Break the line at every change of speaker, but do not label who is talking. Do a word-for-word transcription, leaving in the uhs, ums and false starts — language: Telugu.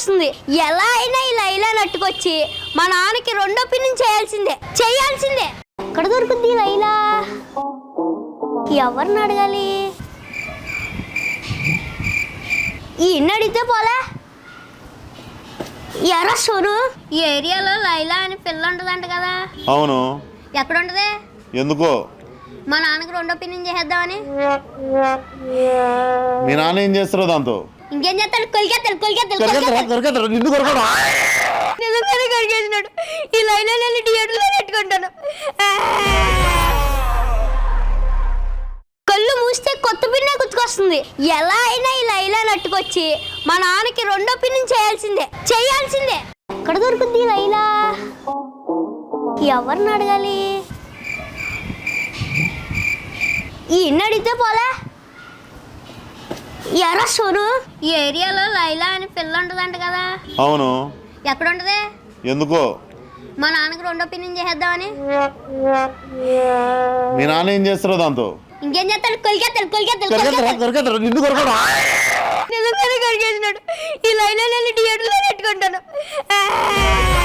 గుర్తుకొస్తుంది. ఎలా అయినా ఈ లైలా నట్టుకొచ్చి మా నాన్నకి రెండో ఒపీనియన్ చేయాల్సిందే చేయాల్సిందే ఎక్కడ దొరుకుద్ది ఈ లైలా? ఎవరిని అడగాలి? ఈ ఇన్ని అడిగితే పోలే. ఎరా సోను, ఈ ఏరియాలో లైలా అని పిల్ల ఉంటదంట కదా?
అవును.
ఎక్కడ ఉంటది?
ఎందుకో
మా నాన్నకి రెండో ఒపీనియన్ చేసేద్దామని.
మీ నాన్న ఏం చేస్తారో దాంతో?
ఇంకేం చేస్తాడు? కొలికేస్తాడు కొలికేస్తాడు
నిన్ను కొరకడా?
నిజంగానే కడిగేసినాడు. ఈ లైలా నేను థియేటర్లో పెట్టుకుంటాను. కళ్ళు మూస్తే కొత్త పిన్నే గుర్తుకొస్తుంది. ఎలా అయినా ఈ లైలా నట్టుకొచ్చి మా నాన్నకి రెండో ఒపీనియన్ చేయాల్సిందే చేయాల్సిందే ఎక్కడ దొరుకుద్ది ఈ లైలా? ఎవరిని అడగాలి? ఈ ఇన్ని అడిగితే పోలే. ఎరా సోను, ఈ ఏరియాలో లైలా అని పిల్ల ఉంటదంట కదా?
అవును.
ఎక్కడ ఉంటది?
ఎందుకో
మా నాన్నకి రెండో ఒపీనియన్ చేసేద్దామని.
మీ నాన్న ఏం చేస్తారో దాంతో?
ఇంకేం చేస్తాడు? కొలికేస్తాడు కొలికేస్తాడు
నిన్ను కొరకడా?
నిజంగానే కడిగేసినాడు. ఈ లైలా నేను థియేటర్లో పెట్టుకుంటాను.